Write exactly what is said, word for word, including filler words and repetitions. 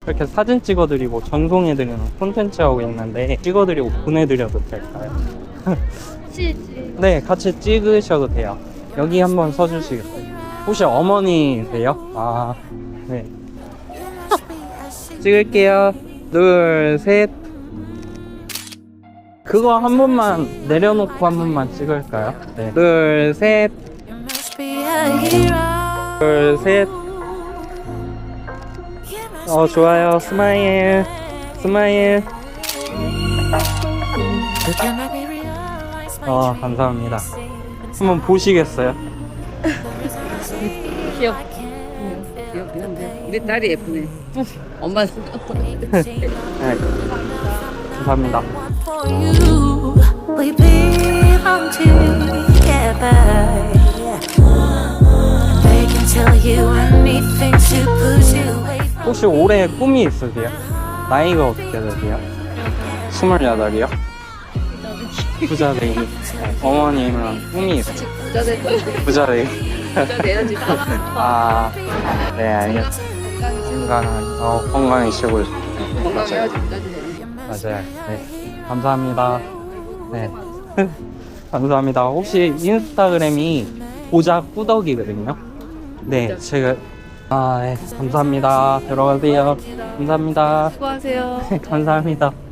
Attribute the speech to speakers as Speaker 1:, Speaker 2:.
Speaker 1: 이렇게 사진 찍어드리고 전송해드리는 콘텐츠 하고 있는데 찍어드리고 보내드려도 될까요? 네, 같이 찍으셔도 돼요. 여기 한번 서주시겠어요? 혹시 어머니세요? 아, 네. 찍을게요. 둘, 셋. 그거 한 번만 내려놓고 한 번만 찍을까요? 네. 둘, 셋. 둘, 셋. 어, 좋아요. 스마일. 스마일. 어, 감사합니다. 한번 보시겠어요?
Speaker 2: 귀엽. 귀엽긴 한데 우리 딸이 예쁘네. 엄마는
Speaker 1: 네. 감사합니다.
Speaker 3: We belong together. They can tell you anything to push you away from.
Speaker 1: 혹시 올해 꿈이 있으세요? 나이가 어떻게 되세요? 스물여덟이요? 부자 되기. 네. 어머님은 꿈이 있어요.
Speaker 2: 부자 되고
Speaker 1: 부자 되기.
Speaker 2: 부자 돼야지.
Speaker 1: 아, 네, 알겠습니다. 건강한, 어, 건강해지고 있어요.
Speaker 2: 건강해야지 부자 되는.
Speaker 1: 맞아요. 네. 감사합니다. 네. 감사합니다. 혹시 인스타그램이 보자 꾸덕이거든요. 네, 제가, 아, 네. 감사합니다. 들어가세요. 감사합니다.
Speaker 2: 수고하세요.
Speaker 1: 감사합니다.